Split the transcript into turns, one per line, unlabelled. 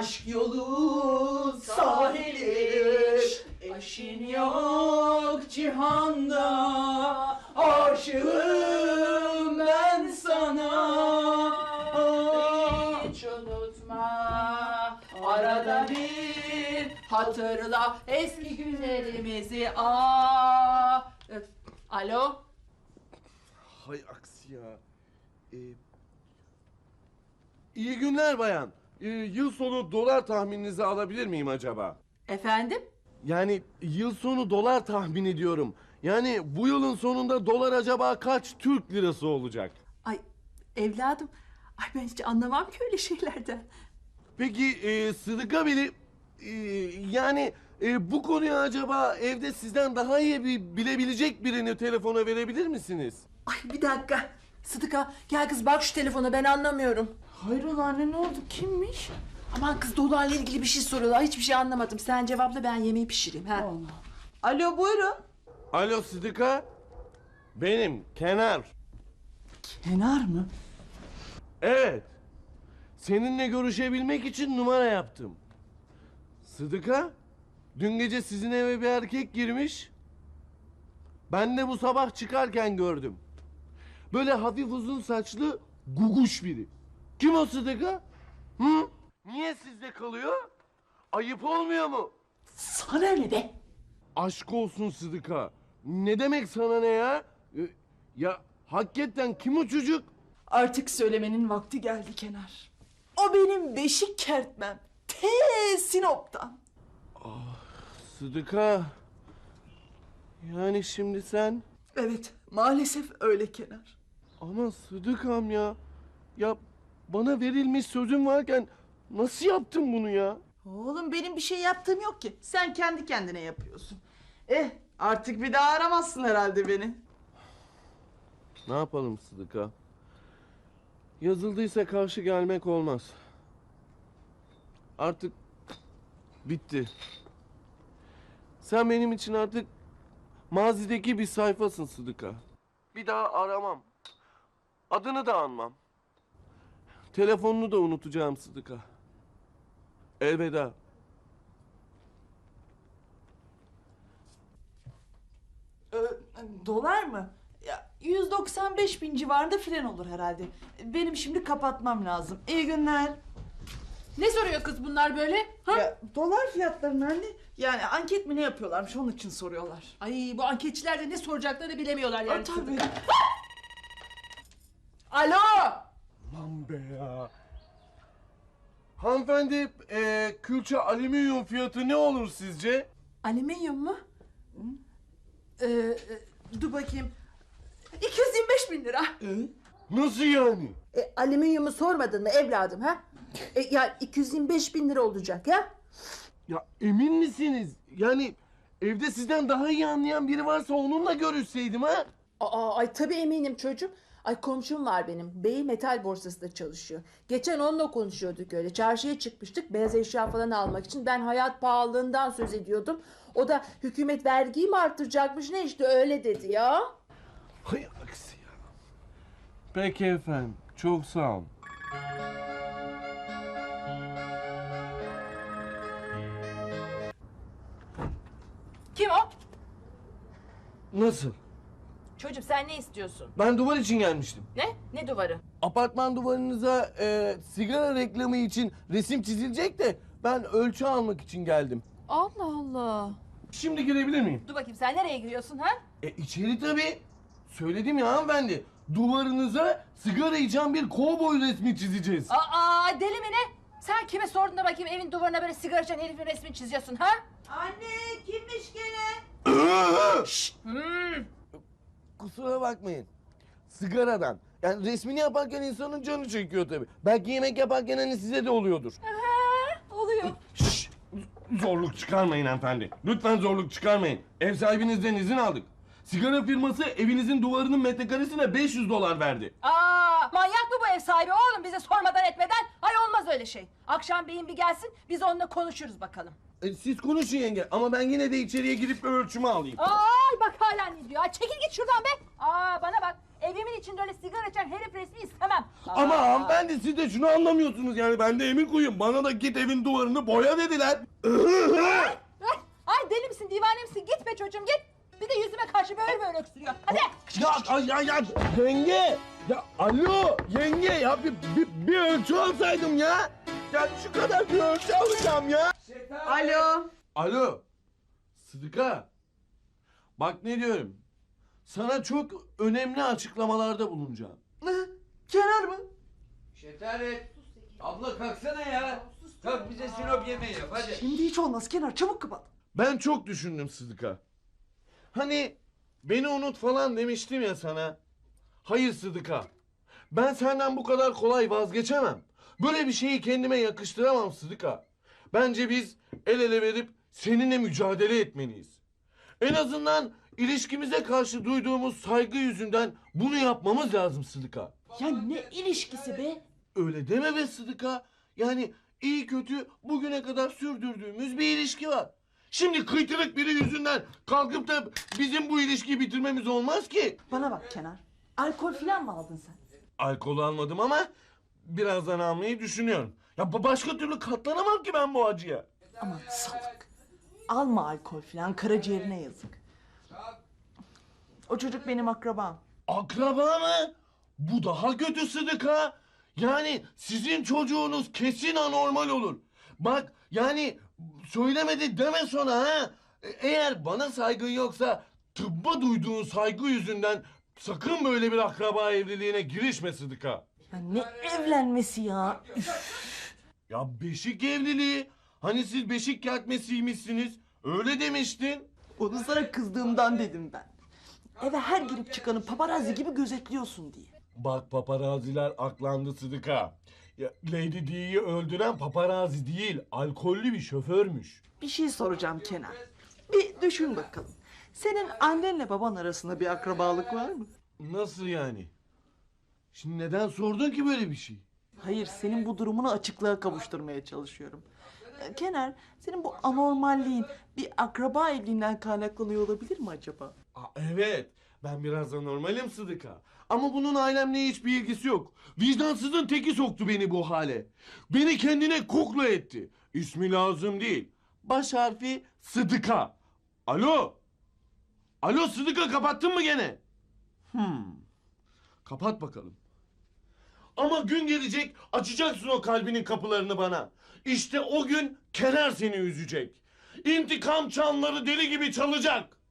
Aşk yolu sahili, eşin yok cihanda. Aşığım ben sana. Hiç unutma, arada bir hatırla eski günlerimizi. Alo?
Hay aksi ya. İyi günler bayan. Yıl sonu dolar tahmininizi alabilir miyim acaba?
Efendim?
Yani yıl sonu dolar tahmin ediyorum. Yani bu yılın sonunda dolar acaba kaç Türk lirası olacak?
Ay evladım, ay ben hiç anlamam ki öyle şeylerden.
Peki Sıdıka Bey, yani bu konuyu acaba evde sizden daha iyi bilebilecek birini telefona verebilir misiniz?
Ay bir dakika. Sıdıka gel kız bak şu telefona, ben anlamıyorum.
Hayrola anne, ne oldu? Kimmiş?
Aman kız dolarla ilgili bir şey soruyorlar. Hiçbir şey anlamadım. Sen cevapla, ben yemeği pişireyim. Ha.
Alo, buyurun.
Alo Sıdıka. Benim Kenar.
Kenar mı?
Evet. Seninle görüşebilmek için numara yaptım. Sıdıka, dün gece sizin eve bir erkek girmiş. Ben de bu sabah çıkarken gördüm. Böyle hafif uzun saçlı guguş biri. Kim o Sıdıka? Hı? Niye sizde kalıyor? Ayıp olmuyor mu?
Sana ne be?
Aşk olsun Sıdıka. Ne demek sana ne ya? Ya hakikaten kim o çocuk?
Artık söylemenin vakti geldi Kenar. O benim beşik kertmem. Sinop'tan.
Sıdıka. Yani şimdi sen...
Evet, maalesef öyle Kenar.
Ama Sıdıkam ya. Ya bana verilmiş sözüm varken nasıl yaptın bunu ya?
Oğlum benim bir şey yaptığım yok ki. Sen kendi kendine yapıyorsun. Artık bir daha aramazsın herhalde beni.
Ne yapalım Sıdıka? Yazıldıysa karşı gelmek olmaz. Artık bitti. Sen benim için artık mazideki bir sayfasın Sıdıka. Bir daha aramam. Adını da anmam. Telefonunu da unutacağım Sıdıka. Elveda.
Dolar mı? Ya 195 bin civarında fren olur herhalde. Benim şimdi kapatmam lazım. İyi günler.
Ne soruyor kız bunlar böyle? Ha?
Ya dolar fiyatlarını anne. Yani anket mi ne yapıyorlarmış, onun için soruyorlar.
Ay bu anketçiler de ne soracaklarını bilemiyorlar yani.
Tabii.
Alo?
Aman be ya. Hanımefendi, külçe alüminyum fiyatı ne olur sizce?
Alüminyum mu? Dur bakayım. 225 bin lira.
Nasıl yani?
Alüminyumu sormadın mı evladım ha? Ya 225 bin lira olacak ya.
Ya emin misiniz? Yani evde sizden daha iyi anlayan biri varsa onunla görüşseydim ha?
Ay tabii eminim çocuğum. Ay komşum var benim. Beyi metal borsasında çalışıyor. Geçen onunla konuşuyorduk öyle. Çarşıya çıkmıştık beyaz eşya falan almak için. Ben hayat pahalılığından söz ediyordum. O da hükümet vergiyi mi arttıracakmış ne işte öyle dedi ya.
Hay aksi ya. Peki efendim. Çok sağ olun.
Kim o?
Nasıl?
Çocuğum sen ne istiyorsun?
Ben duvar için gelmiştim.
Ne? Ne duvarı?
Apartman duvarınıza sigara reklamı için resim çizilecek de ben ölçü almak için geldim.
Allah Allah.
Şimdi girebilir miyim?
Dur bakayım sen nereye giriyorsun ha?
İçeri tabii. Söyledim ya hanımefendi. Duvarınıza sigara içen bir kovboy resmi çizeceğiz.
Aa deli mi ne? Sen kime sordun da bakayım evin duvarına böyle sigara içen herifin resmini çiziyorsun ha?
Anne, kimmiş gene?
Kusura bakmayın. Sigaradan. Yani resmini yaparken insanın canı çekiyor tabii. Belki yemek yaparken hani size de oluyordur.
Oluyor.
Şşş! Zorluk çıkarmayın hanımefendi. Lütfen zorluk çıkarmayın. Ev sahibinizden izin aldık. Sigara firması evinizin duvarının metrekaresine 500 dolar verdi.
Aa manyak mı bu ev sahibi oğlum bize sormadan etmeden? Ay olmaz öyle şey. Akşam beyin bir gelsin biz onunla konuşuruz bakalım.
Siz konuşun yenge ama ben yine de içeriye girip bir ölçümü alayım.
Ay bak hala ne diyor. Ay çekil git şuradan be. Aa bana bak. Evimin içinde öyle sigara içen herif resmi istemem.
Ama hanımefendi siz de şunu anlamıyorsunuz yani ben de emir koyayım. Bana da git evin duvarını boya dediler.
Ay deli misin divane misin git be çocuğum git. Bir de yüzüme karşı böyle öksürüyor. Hadi.
Ya yenge! Ya alo yenge ya bir ölçü alsaydım ya. Ya şu kadar bir ölçü alacağım ya.
Alo.
Alo. Sıdıka. Bak ne diyorum. Sana çok önemli açıklamalarda bulunacağım.
Ne? Kenar mı?
Şetaret. Abla kalksana ya. Kalk bize sinop yemeği yap hadi.
Şimdi hiç olmaz Kenar, çabuk kapat.
Ben çok düşündüm Sıdıka. Hani beni unut falan demiştim ya sana. Hayır Sıdıka. Ben senden bu kadar kolay vazgeçemem. Böyle bir şeyi kendime yakıştıramam Sıdıka. Bence biz el ele verip seninle mücadele etmeliyiz. En azından ilişkimize karşı duyduğumuz saygı yüzünden bunu yapmamız lazım Sıdıka.
Ya ne ilişkisi be?
Öyle deme be Sıdıka. Yani iyi kötü bugüne kadar sürdürdüğümüz bir ilişki var. Şimdi kıytırık biri yüzünden kalkıp da bizim bu ilişkiyi bitirmemiz olmaz ki.
Bana bak Kenar. Alkol falan mı aldın sen?
Alkol almadım ama birazdan almayı düşünüyorum. Ya başka türlü katlanamam ki ben bu acıya.
Aman salak. Alma alkol falan, karaciğerine yazık. O çocuk benim akrabam.
Akraba mı? Bu daha kötü Sıdıka. Yani sizin çocuğunuz kesin anormal olur. Bak yani söylemedi deme sonra ha. Eğer bana saygın yoksa tıbba duyduğun saygı yüzünden sakın böyle bir akraba evliliğine girişme Sıdıka.
Ya ne evlenmesi ya?
Ya beşik evliliği. Hani siz beşik kertmesiymişsiniz. Öyle demiştin.
Onu sana kızdığımdan dedim ben. Eve her girip çıkanı paparazzi gibi gözetliyorsun diye.
Bak paparaziler aklandı Sıdıka. Ya, Lady Di'yi öldüren paparazi değil, alkollü bir şoförmüş.
Bir şey soracağım Kenan. Bir düşün bakalım. Senin annenle baban arasında bir akrabalık var mı?
Nasıl yani? Şimdi neden sordun ki böyle bir şey?
Hayır, senin bu durumunu açıklığa kavuşturmaya çalışıyorum. Kenar, senin bu anormalliğin bir akraba evliliğinden kaynaklanıyor olabilir mi acaba?
Evet, ben biraz anormalim Sıdıka. Ama bunun ailemle hiçbir ilgisi yok. Vicdansızın teki soktu beni bu hale. Beni kendine kukla etti. İsmi lazım değil. Baş harfi Sıdıka. Alo? Alo Sıdıka kapattın mı gene? Kapat bakalım. Ama gün gelecek açacaksın o kalbinin kapılarını bana. İşte o gün Kenar seni üzecek. İntikam çanları deli gibi çalacak.